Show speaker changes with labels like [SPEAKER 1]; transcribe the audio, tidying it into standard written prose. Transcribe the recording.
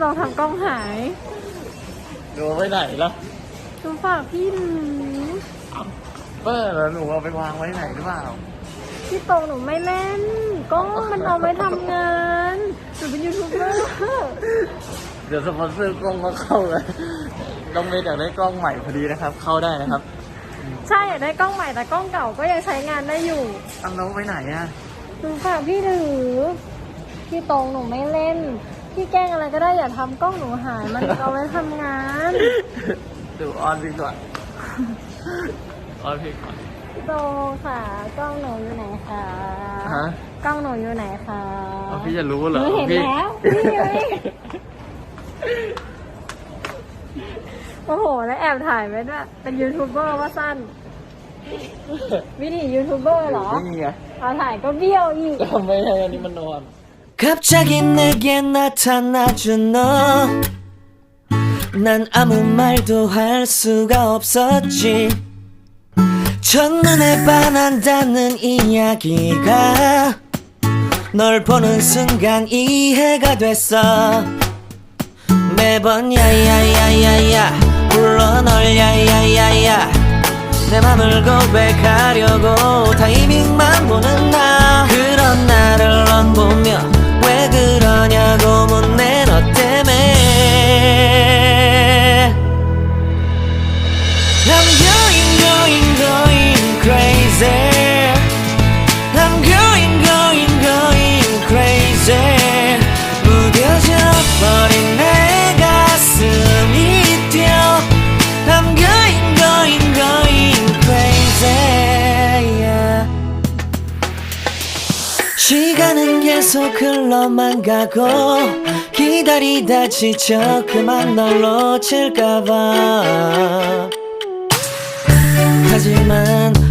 [SPEAKER 1] เราทำกล้องหาย
[SPEAKER 2] ดูไว้ไหนล่ะ
[SPEAKER 1] หนูฝากพี่หนู
[SPEAKER 2] เปิ้ลแล้วหนูเอาไปวางไว้ไหนหรือเปล่า
[SPEAKER 1] พี่ตรงหนูไม่เล่นกล้องมันเอาไว้ทำงานหนูเป็นยูทูบเบอร์
[SPEAKER 2] เดี๋ยวสปอนเซอร์กล้องมาเข้าเลยต้องเมย์อยากได้กล้องใหม่พอดีนะครับ เข้าได้นะครับ
[SPEAKER 1] ใช่อยากได้กล้องใหม่แต่กล้องเก่าก็ยังใช้งานได้อยู่
[SPEAKER 2] เอาน้องไปไหนอ่ะ
[SPEAKER 1] หนูฝากพี่ถือพี่ตรงหนูไม่เล่นพี่แกล้งอะไรก็ได้อย่าทำกล้องหนูหายมันเอาไว้ทำงาน
[SPEAKER 2] ดูออนพี่ก่อนออนพี่ก่อน
[SPEAKER 1] พี่ตรงค่ะกล้องหนูอยู่ไหนคะ
[SPEAKER 2] ฮะ
[SPEAKER 1] กล้องหนูอยู่ไหนคะ
[SPEAKER 2] เอาพี่จะรู้เหร
[SPEAKER 1] ห
[SPEAKER 2] อ
[SPEAKER 1] นูเห็น
[SPEAKER 2] พี่
[SPEAKER 1] แล้วพี่เลยโอ้โหแล้วแอบถ่ายไว้ด้วยเป็นยูทูบเบอร์ว่าสั้นวิธียูทูบเบอร์เหรอ
[SPEAKER 2] นี่ไง
[SPEAKER 1] เอาถ่ายก็เบี้ยวอีก
[SPEAKER 2] ทำไมให้อันนี้มันนอน
[SPEAKER 3] 갑자기 내게 나타나준 너 난 아무 말도 할 수가 없었지 첫눈에 반한다는 이야기가 널 보는 순간 이해가 됐어 매번 야야야야야 불러 널 야야야야 내 맘을 고백하려고 타이밍만 보는 나 그런 나를 넌 보며 왜 그러냐고 묻네 너 때문에 I'm going crazy I'm going crazy 무뎌져 버린 내 가슴이 뛰어 I'm going crazy yeah. 시간은 계속 흘러만 가고 기다리다 지쳐 그만 널 놓칠까봐 하지만